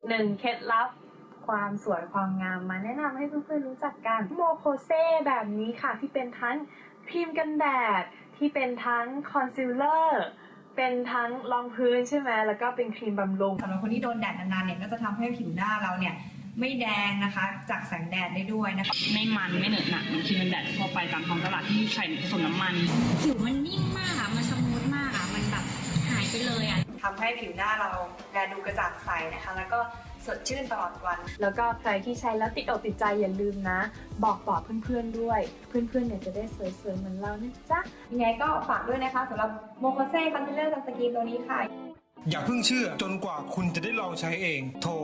1 เคล็ดลับความสวยความงามมาแนะนำให้เพื่อนๆรู้จักกันโมโคเซแบบนี้ค่ะที่เป็นทั้งครีมกันแดดที่เป็นทั้งคอนซีลเลอร์เป็นทั้งรองพื้นใช่ไหมแล้วก็เป็นครีมบำรุงสำหรับคนที่โดนแดดนานๆเนี่ยก็จะทำให้ผิวหน้าเราเนี่ยไม่แดงนะคะจากแสงแดดได้ด้วยนะคะไม่มันไม่เหนอะหนักเหมือนครีมกันแดดทั่วไปตามท้องตลาดที่ใส่ผสมน้ำมันผิวมันนิ่มมากอะมันสมูทมากอะมันแบบหายไปเลยอะทำให้ผิวหน้าเราแลดูกระจ่างใสนะคะแล้วก็สดชื่นตลอดวันแล้วก็ใครที่ใช้แล้วติดอกติดใจอย่าลืมนะบอกต่อเพื่อนๆด้วยเพื่อนๆเนี่ยจะได้สวยๆเหมือนเรานะจ๊ะยังไงก็ฝากด้วยนะคะสำหรับโมโคเซ่คอนซีลเลอร์ซันสกรีนตัวนี้ค่ะอย่าเพิ่งเชื่อจนกว่าคุณจะได้ลองใช้เองโทร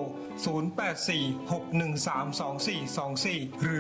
0846132424 หรือ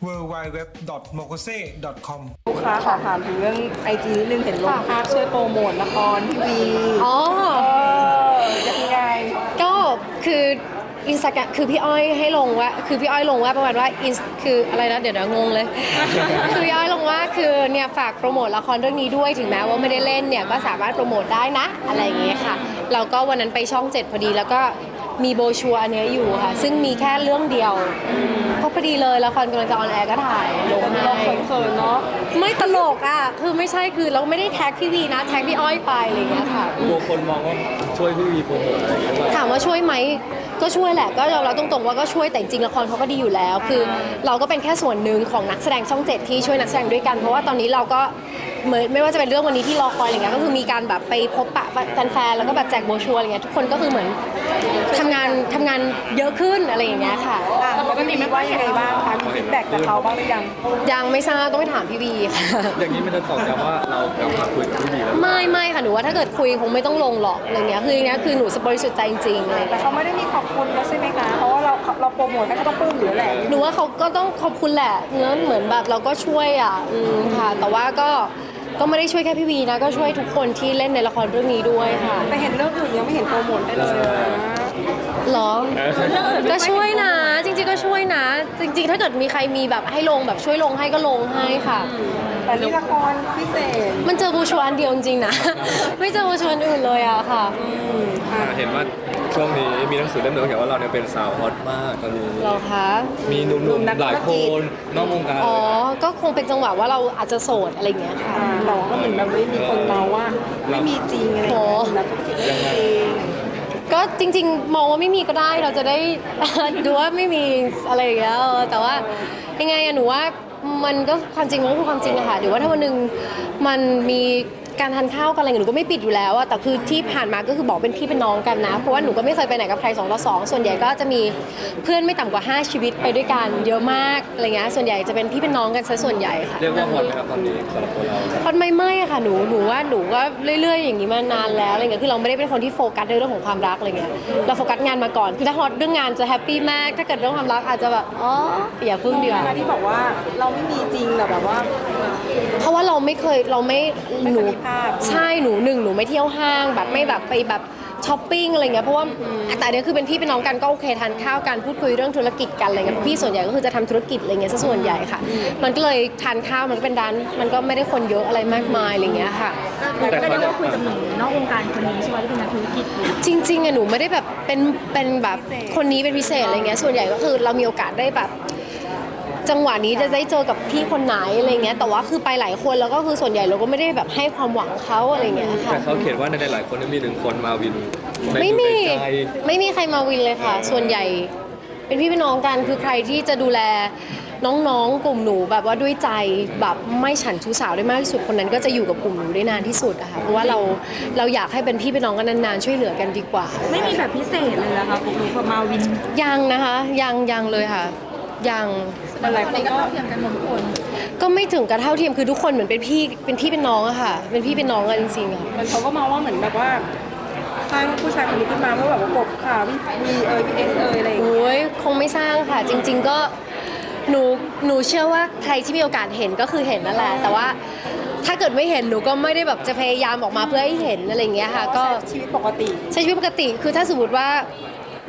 www.mokose.com ลูกค้าขอถามถึงเรื่องไอจีนิดนึงเห็นลงภาพช่วยโปรโมทละครทีวีอ๋อยังไงก็คืออินสตาแกรมคือพี่อ้อยให้ลงว่าคือพี่อ้อยลงว่าประมาณว่าคืออะไรนะเดี๋ยวงงเลย คือพี่อ้อยลงว่าคือเนี่ยฝากโปรโมทละครเรื่องนี้ด้วยถึงแม้ว่าไม่ได้เล่นเนี่ยก็สามารถโปรโมทได้นะอะไรอย่างเงี้ยค่ะเราก็วันนั้นไปช่อง 7พอดีแล้วก็มีโบชัวอันนี้อยู่ค่ะซึ่งมีแค่เรื่องเดียวก็พอดีเลยละครกำลังจะออนแอร์ก็ถ่ายลงให้เราเขินๆเนาะไม่ตลกอ่ะคือไม่ใช่คือเราไม่ได้แท็กพี่วีนะแท็กพี่อ้อยไปอะไรอย่างเงี้ยค่ะกลัวคนมองว่าช่วยพี่วีโปรโมทอะไรอย่างเงี้ยถามว่าช่วยไหมก็ช่วยแหละก็เราตรงๆว่าก็ช่วยแต่จริงละครเขาก็ดีอยู่แล้วคือเราก็เป็นแค่ส่วนหนึ่งของนักแสดงช่อง 7ที่ช่วยนักแสดงด้วยกันเพราะว่าตอนนี้เราก็เหมือนไม่ว่าจะเป็นเรื่องวันนี้ที่รอคอยอะไรเงี้ยก็คือมีการแบบไปพบปะแฟนๆแล้วก็แบบแจกโบรชัวร์อะไรเงี้ยทุกคนก็คือเหมือนทำงานเยอะขึ้นอะไรอย่างเงี้ยค่ะปกติไม่ว่ายังไงบ้างคะมีฟีดแบ็กจากเขาบ้างหรือยังยังไม่ทราบต้องไปถามพี่วีค่ะอย่างนี้มันจะตอกย้ำว่าเรากลับมาคุยกับพี่วีแล้วไม่ค่ะหนูว่าถ้าเกิดคุยคงไม่ต้องลงหรอกอะไรเงี้ยคืออย่างเงี้ยคือหนูบริสุทธิ์ใจจริงๆเลยแต่เขาไม่ได้มีขอบคุณแล้วใช่ไหมคะเพราะว่าเราโปรโมทให้เขาต้องปลื้มอยู่แล้วแหละหนูว่าเขาก็ต้องขอบคุณแหละเนื้อเหมือนแบบเราก็ช่วยอ่ะค่ะแต่ว่าก็ไม่ได้ช่วยแค่พี่วีนะก็ช่วยทุกคนที่เล่นในละครเรื่องนี้ด้วยค่ะแต่เห็นเรื่องอื่นยังไม่เห็นโปรโมทได้เลยหรอก็ช่วยนะจริงๆก็ช่วยนะจริงๆถ้าเกิดมีใครมีแบบให้ลงแบบช่วยลงให้ก็ลงให้ค่ะแต่นี่ละครพิเศษมันเจอบูชวอันเดียวจริงๆนะไม่เจอบูชวอันอื่นเลยอะค่ะเห็นว่าช่วงนี้มีหนังสือเล่มหนึ่งเขียนว่าเราเนี่ยเป็นสาวฮอตมากตอนนี้เหรอคะมีหนุ่มๆหลายคนนอกวงการอ๋อก็คงเป็นจังหวะว่าเราอาจจะโสดอะไรอย่างเงี้ยค่ะแต่ก็เหมือนแบบไม่มีคนเราว่าไม่มีจริงอะไรอย่างเงี้ยก็จริงๆมองว่าไม่มีก็ได้เราจะได้ ดูว่าไม่มีอะไรอย่างเงี้ยแต่ว่ายังไงอะหนูว่ามันก็ความจริงมันก็คือความจริงอะค่ะหรือว่าถ้าวันหนึ่งมันมีการทานข้าวกันอะไรหนูก็ไม่ปิดอยู่แล้วอะแต่คือที่ผ่านมาก็คือบอกเป็นพี่เป็นน้องกันนะเพราะว่าหนูก็ไม่เคยไปไหนกับใคร2 ต่อ 2ส่วนใหญ่ก็จะมีเพื่อนไม่ต่ำกว่า5ชีวิตไปด้วยกันเยอะมากอะไรเงี้ยส่วนใหญ่จะเป็นพี่เป็นน้องกันซะส่วนใหญ่ค่ะเรียกว่าฮอตไหมครับตอนนี้สำหรับตัวเราฮอตไม่อะค่ะหนูว่าหนูก็เรื่อยๆอย่างนี้มานานแล้วอะไรเงี้ยคือเราไม่ได้เป็นคนที่โฟกัสในเรื่องของความรักอะไรเงี้ยเราโฟกัสงานมาก่อนคือถ้าฮอตเรื่องงานจะแฮปปี้มากถ้าเกิดเรื่องความรักอาจจะแบบอ๋ออย่าพึ่งเดียวที่บอกว่าเราไม่มีจริงแบบว่าเพราะว่าเราไม่หนูใช่หนูไม่เที่ยวห้างแบบไม่แบบไปแบบช้อปปิ้งอะไรเงี้ยเพราะว่าแต่เนี้ยคือเป็นพี่เป็นน้องกันก็โอเคทานข้าวกันพูดคุยเรื่องธุรกิจกันอะไรเงี้ยพี่ส่วนใหญ่ก็คือจะทำธุรกิจอะไรเงี้ยซะส่วนใหญ่ค่ะมันก็เลยทานข้าวมันก็เป็นร้านมันก็ไม่ได้คนเยอะอะไรมากมายอะไรเงี้ยค่ะแต่ก็ได้ว่าคุยกับหนูนอกวงการคนนี้ใช่ไหมที่เป็นนักธุรกิจจริงๆอะหนูไม่ได้แบบเป็นแบบคนนี้เป็นพิเศษอะไรเงี้ยส่วนใหญ่ก็คือเรามีโอกาสได้แบบจังหวะนี้จะได้เจอกับพี่คนไหนอะไรเงี้ยแต่ว่าคือไปหลายคนแล้วก็คือส่วนใหญ่เราก็ไม่ได้แบบให้ความหวังเขาอะไรเงี้ยค่ะแต่เขาเขียนว่าในหลายคนมี1 คนมาวินไม่มีใครมาวินเลยค่ะส่วนใหญ่เป็นพี่เป็นน้องกันคือใครที่จะดูแลน้องๆกลุ่มหนูแบบว่าด้วยใจแบบไม่ฉันชู้สาวได้มากที่สุดคนนั้นก็จะอยู่กับกลุ่มหนูได้นานที่สุดอะค่ะเพราะว่าเราอยากให้เป็นพี่เป็นน้องกันนานๆช่วยเหลือกันดีกว่าไม่มีแบบพิเศษเลยนะคะหนูพอมาวินยังนะคะยังเลยค่ะยังอะไรก็เท่าเทียมกันหมดทุกคนก็ไม่ถึงกับเท่าเทียมคือทุกคนเหมือนเป็นพี่เป็นน้องอะค่ะเป็นพี่เป็นน้องกันจริงๆอะมันเขาก็มองว่าเหมือนแบบว่าสร้างผู้ชายคนนี้ขึ้นมาเพื่อแบบว่ากบข่าวพี่เอสอะไรอย่างเงี้ยโอ้ยคงไม่สร้างค่ะจริงๆก็หนูเชื่อว่าใครที่มีโอกาสเห็นก็คือเห็นนั่นแหละแต่ว่าถ้าเกิดไม่เห็นหนูก็ไม่ได้แบบจะพยายามออกมาเพื่อให้เห็นอะไรอย่างเงี้ยค่ะก็ชีวิตปกติใช้ชีวิตปกติคือถ้าสมมติว่า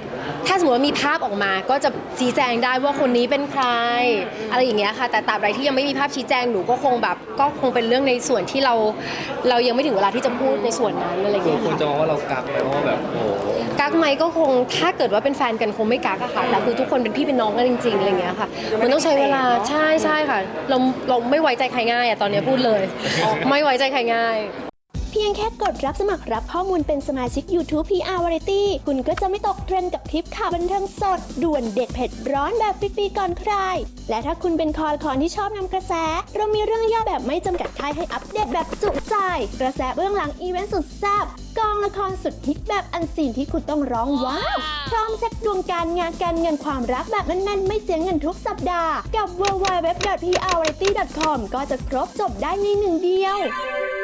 ถ้าสมมติว่ามีภาพออกมาก็จะชี้แจงได้ว่าคนนี้เป็นใครอะไรอย่างเงี้ยค่ะแต่ตราบใดที่ยังไม่มีภาพชี้แจงหนูก็คงแบบก็คงเป็นเรื่องในส่วนที่เรายังไม่ถึงเวลาที่จะพูดในส่วนนั้นอะไรอย่างเงี้ยคนค่ะจะมองว่าเรากักไหมเพราะว่าแบบโอ้โหกักไหมก็คงถ้าเกิดว่าเป็นแฟนกันคงไม่กักอะค่ะแต่คือทุกคนเป็นพี่เป็นน้องกันจริงๆอะไรอย่างเงี้ยค่ะมันต้องใช้เวลาใช่ค่ะเราไม่ไว้ใจใครง่ายอะตอนนี้พูดเลยไม่ไว้ใจใครง่ายเพียงแค่กดรับสมัครรับข้อมูลเป็นสมาชิก YouTube PR Variety คุณก็จะไม่ตกเทรนด์กับทริปข่าวบันเทิงสด ด่วนเด็ดเผ็ดร้อนแบบฟรีๆก่อนใคร และถ้าคุณเป็นคอละคอนที่ชอบนำกระแส เรามีเรื่องย่อแบบไม่จำกัดค่ายให้อัปเดตแบบจุใจ กระแสเบื้องหลังอีเวนต์สุดแซ่บกองละครสุดฮิตแบบอันซีนที่คุณต้องร้องว้าวพร้อมเช็คดวงการงานการเงินความรักแบบแน่นๆไม่เสียเงินทุกสัปดาห์กับ www.prvariety.com ก็จะครบจบได้ในหนึ่งเดียว